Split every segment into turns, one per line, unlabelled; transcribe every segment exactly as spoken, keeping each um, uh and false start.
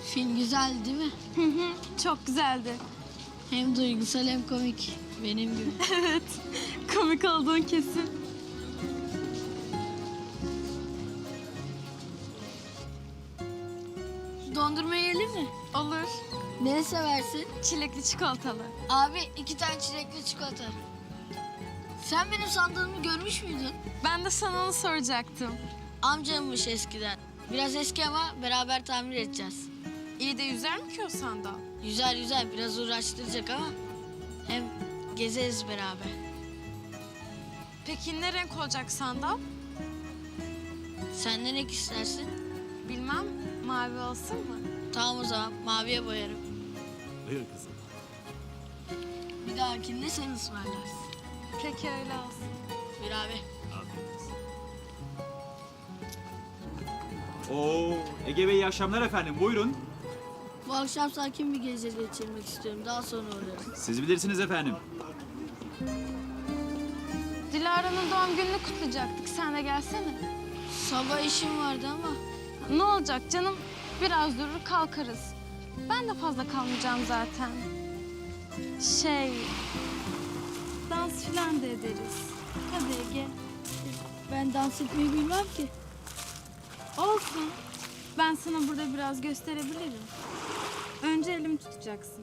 Film güzel değil mi?
Hı hı, çok güzeldi.
Hem duygusal hem komik. Benim gibi.
Evet, komik olduğun kesin.
Dondurma yiyelim mi?
Olur.
Ne seversin?
Çilekli çikolatalı.
Abi iki tane çilekli çikolata. Sen benim sandığımı görmüş müydün?
Ben de sana onu soracaktım.
Amcammış eskiden. Biraz eski ama beraber tamir edeceğiz.
İyi de yüzer mi ki o sandal?
Yüzer yüzer biraz uğraştıracak ama hem gezeriz beraber.
Peki ne renk olacak sandal?
Sen ne renk istersin?
Bilmem, mavi olsun mu?
Tamam o zaman maviye boyarım.
Buyur kızım.
Bir dahakinde sen ısmarlarsın.
Peki öyle olsun.
Bir abi.
Afiyet olsun. Oo, Ege Bey iyi akşamlar efendim. Buyurun.
Bu akşam sakin bir gece geçirmek istiyorum. Daha sonra uğrarım.
Siz bilirsiniz efendim.
Dilara'nın doğum gününü kutlayacaktık. Sen de gelsene.
Sabah işim vardı ama.
Ne olacak canım? Biraz durur kalkarız. Ben de fazla kalmayacağım zaten. Şey... Dans filan da ederiz. Hadi Ege.
Ben dans etmeyi bilmem ki.
Olsun. Ben sana burada biraz gösterebilirim. Önce elimi tutacaksın.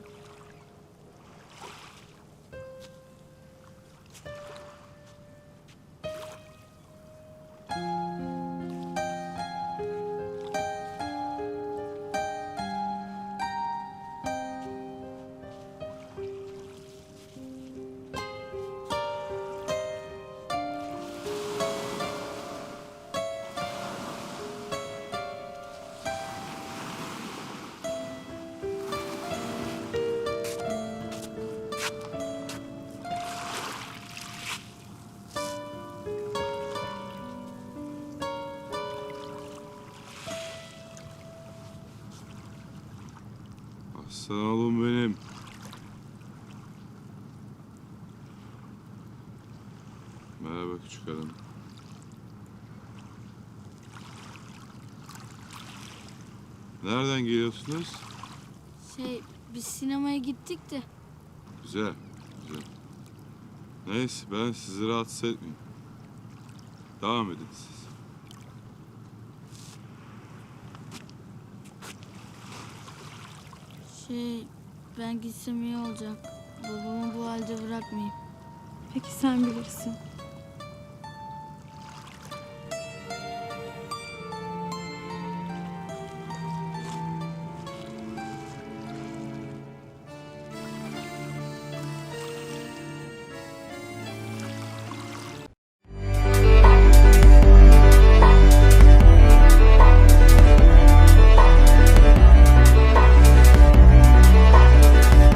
Aslan oğlum benim. Merhaba küçük hanım. Nereden geliyorsunuz?
Şey biz sinemaya gittik de.
Güzel, güzel. Neyse ben sizi rahatsız etmeyeyim. Devam edin siz.
Şey ben gitsem iyi olacak. Babamı bu halde bırakmayayım.
Peki sen bilirsin.